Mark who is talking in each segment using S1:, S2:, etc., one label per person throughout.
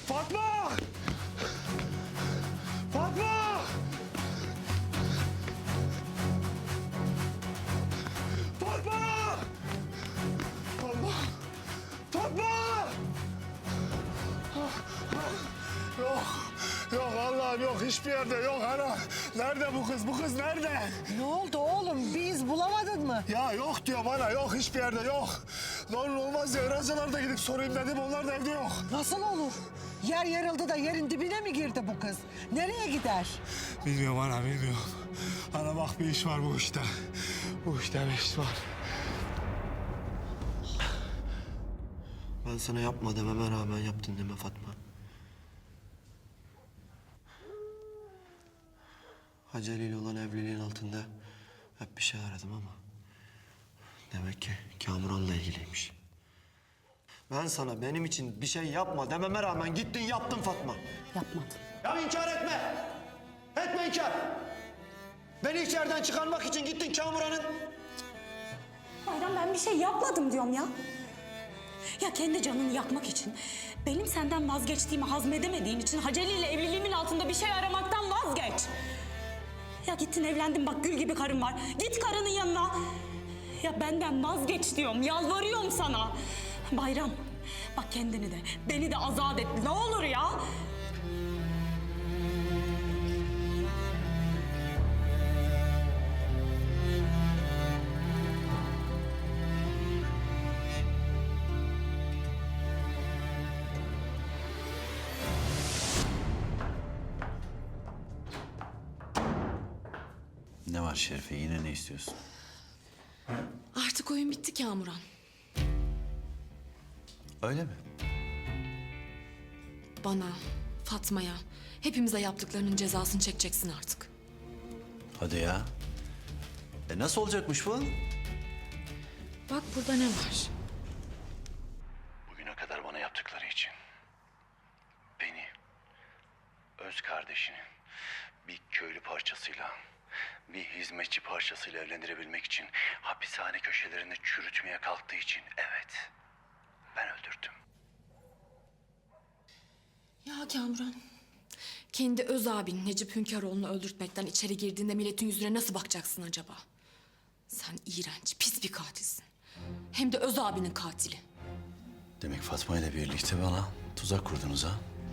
S1: Fatma! Fatma! Fatma! Allah! Fatma! Yok, yok Allah'ım yok. Hiçbir yerde yok ana. Nerede bu kız? Bu kız nerede?
S2: Ne oldu oğlum? Bir iz bulamadın mı?
S1: Ya yok diyor bana. Yok, hiçbir yerde yok. Ne olur olmaz ya. Öğrenciler de gidip sorayım dedim. Onlar da evde yok.
S2: Nasıl olur? Yer yarıldı da yerin dibine mi girdi bu kız? Nereye gider?
S1: Bilmiyorum ana, bilmiyorum. Ana bak, bir iş var bu işte. Bu işte bir iş var.
S3: Ben sana yapma dememe rağmen yaptın deme Fatma. Hacı Ali ile olan evliliğin altında hep bir şey aradım ama... demek ki Kamuran'la ilgiliymiş. Ben sana benim için bir şey yapma dememe rağmen gittin yaptın Fatma.
S2: Yapmadım.
S3: Ya inkar etme! Etme inkar! Beni içeriden çıkarmak için gittin Kamuran'ın...
S4: Bayram, ben bir şey yapmadım diyorum ya. Ya kendi canını yakmak için, benim senden vazgeçtiğimi hazmedemediğin için Haceli ile evliliğimin altında bir şey aramaktan vazgeç. Ya gittin evlendin, bak gül gibi karın var. Git karının yanına. Ya benden vazgeç diyorum, yalvarıyorum sana. Bayram, bak kendini de, beni de azat et. Ne olur ya.
S5: Ne var Şerife? Yine ne istiyorsun?
S6: Artık oyun bitti Kamuran.
S5: Öyle mi?
S6: Bana, Fatma'ya, hepimize yaptıklarının cezasını çekeceksin artık.
S5: Hadi ya. Nasıl olacakmış bu?
S6: Bak burada ne var?
S5: Bugüne kadar bana yaptıkları için. Beni, öz kardeşini bir köylü parçasıyla, bir hizmetçi parçasıyla evlendirebilmek için hapishane köşelerinde çürütmeye kalktığı için evet, ben öldürdüm.
S6: Ya Kamuran, kendi öz abin Necip Hünkaroğlu'nu öldürtmekten içeri girdiğinde milletin yüzüne nasıl bakacaksın acaba? Sen iğrenç, pis bir katilsin. Hem de öz abinin katili.
S5: Demek Fatma ile birlikte bana tuzak kurdunuz ha?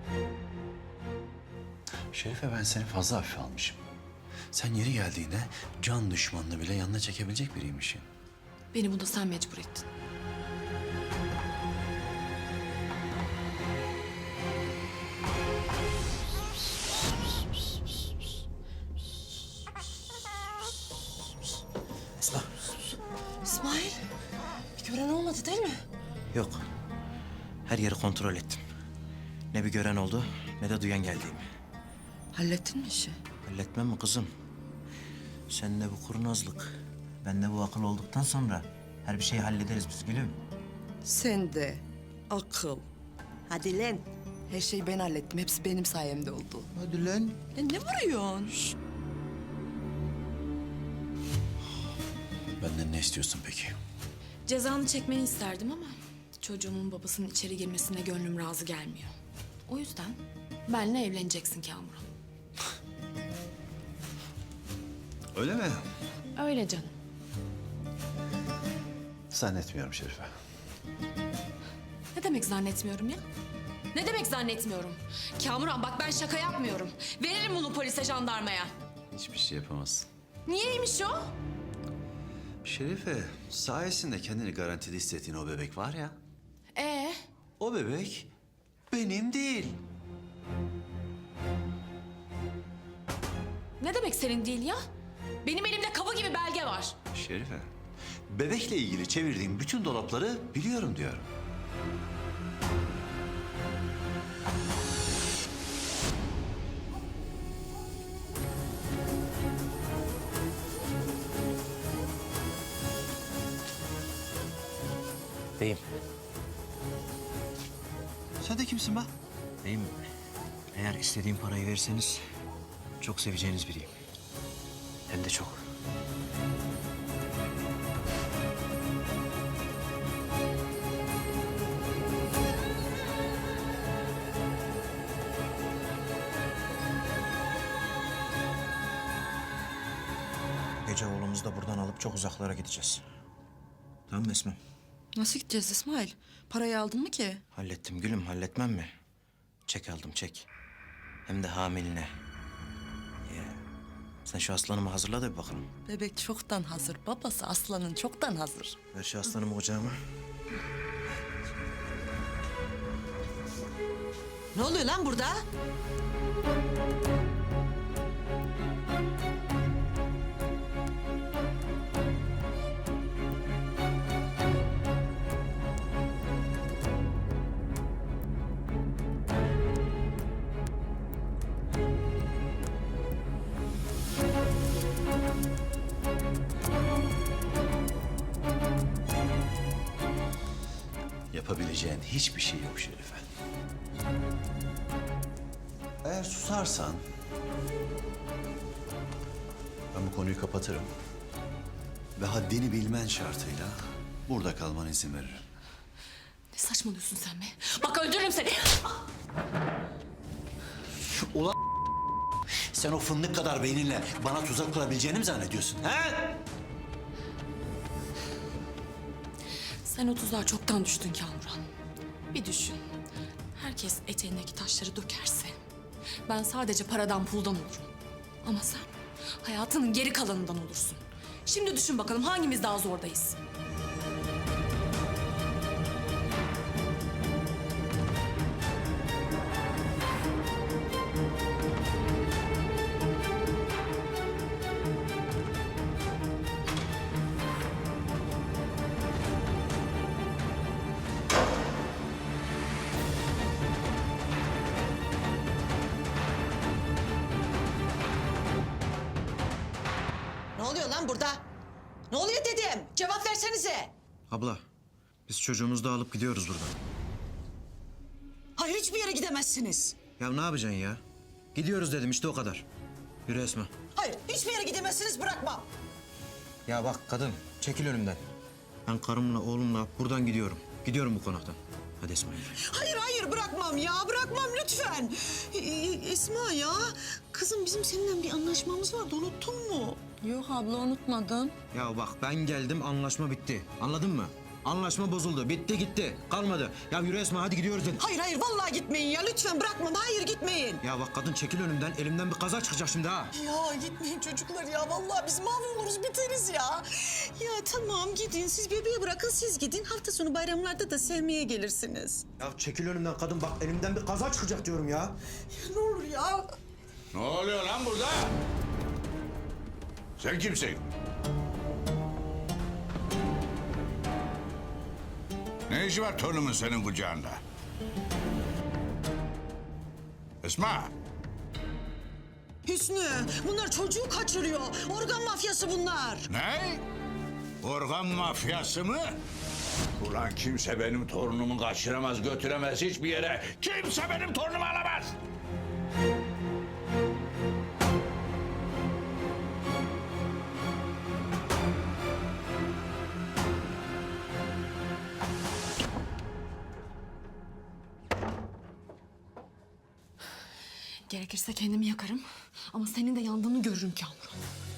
S5: Şerife, ben seni fazla hafife almışım. Sen yeri geldiğinde can düşmanını bile yanına çekebilecek biriymişsin.
S6: Beni buna sen mecbur ettin.
S5: Esma.
S2: İsmail, bir gören olmadı değil mi?
S7: Yok. Her yeri kontrol ettim. Ne bir gören oldu ne de duyan geldiğimi.
S2: Hallettin mi işi?
S7: Halletmem mi kızım? Seninle bu kurnazlık, benle bu akıl olduktan sonra her bir şeyi hallederiz biz gülüm.
S8: Sen de akıl. Hadi lan. Her şeyi ben hallettim. Hepsi benim sayemde oldu.
S7: Hadi lan.
S8: Lan ne vuruyorsun?
S5: Benden ne istiyorsun peki?
S6: Cezanı çekmeni isterdim ama çocuğumun babasının içeri girmesine gönlüm razı gelmiyor. O yüzden benimle evleneceksin Kamuran.
S5: Öyle mi?
S6: Öyle canım.
S5: Zannetmiyorum Şerife.
S6: Ne demek zannetmiyorum ya? Ne demek zannetmiyorum? Kamuran bak, ben şaka yapmıyorum. Veririm bunu polise, jandarmaya.
S5: Hiçbir şey yapamazsın.
S6: Niyeymiş o?
S5: Şerife, sayesinde kendini garantide hissettiğin o bebek var ya...
S6: Ee,
S5: o bebek benim değil.
S6: ne demek senin değil ya? Benim elimde kapı gibi belge var.
S5: Şerife, bebekle ilgili çevirdiğim bütün dolapları biliyorum diyorum.
S7: Beyim,
S5: Sen de kimsin be?
S7: beyim eğer istediğim parayı verirseniz çok seveceğiniz biriyim. Hem de çok. gece oğlumuzu da buradan alıp çok uzaklara gideceğiz. Tamam mı Esma?
S8: Nasıl gideceğiz İsmail? Parayı aldın mı ki?
S7: Hallettim gülüm, halletmem mi? Çek aldım, çek. Hem de hamiline. Ya. Sen şu aslanımı hazırla da bir bakalım.
S8: Bebek çoktan hazır. Babası aslanın çoktan hazır.
S7: Ver şu aslanımı kucağıma.
S2: Ne oluyor lan burada?
S5: Yapabileceğin hiçbir şey yok Şerife. Eğer susarsan ben bu konuyu kapatırım ve haddini bilmen şartıyla burada kalmana izin veririm.
S6: Ne saçmalıyorsun sen be? Bak öldürürüm seni.
S5: Ulan sen o fındık kadar beyninle bana tuzak kurabileceğini mi zannediyorsun? He?
S6: Sen o tuzağa çoktan düştün Kamuran. Bir düşün. Herkes eteğindeki taşları dökerse ben sadece paradan puldan olurum. Ama sen hayatının geri kalanından olursun. Şimdi düşün bakalım hangimiz daha zordayız?
S2: Ne oluyor lan burada? Ne oluyor dedim? Cevap versenize.
S7: Abla, biz çocuğumuzu da alıp gidiyoruz buradan.
S2: Hayır, hiçbir yere gidemezsiniz.
S7: Ya ne yapacaksın ya? Gidiyoruz dedim işte o kadar. Yürü Esma.
S2: Hayır, hiçbir yere gidemezsiniz, bırakmam.
S7: Ya bak kadın, çekil önümden. Ben karımla oğlumla buradan gidiyorum. Gidiyorum bu konaktan. Hadi Esma yürü.
S2: Hayır, hayır, bırakmam ya, bırakmam lütfen. Esma ya, kızım bizim seninle bir anlaşmamız vardı, unuttun mu?
S8: Yok abla unutmadım.
S7: Ya bak ben geldim anlaşma bitti. Anladın mı? Anlaşma bozuldu. Bitti gitti. Kalmadı. Ya yürü Esma hadi gidiyoruz dedim.
S2: Hayır, hayır, vallahi gitmeyin ya, lütfen bırakmam, hayır gitmeyin.
S7: Ya bak kadın çekil önümden. Elimden bir kaza çıkacak şimdi ha.
S2: Ya gitmeyin çocuklar ya, vallahi biz mahvoluruz, biteriz ya. Ya tamam gidin, siz bebeği bırakın, siz gidin. Hafta sonu bayramlarda da sevmeye gelirsiniz.
S7: Ya çekil önümden kadın bak elimden bir kaza çıkacak diyorum ya.
S2: Ya ne olur ya.
S9: Ne oluyor lan burada? Sen kimsin? Ne işi var torunumun senin kucağında? Esma,
S2: Hüsnü, bunlar çocuğu kaçırıyor. Organ mafyası bunlar.
S9: ne? Organ mafyası mı? Ulan kimse benim torunumu kaçıramaz, götüremez hiçbir yere. Kimse benim torunumu alamaz.
S6: Gerekirse kendimi yakarım ama senin de yandığını görürüm Kamuran.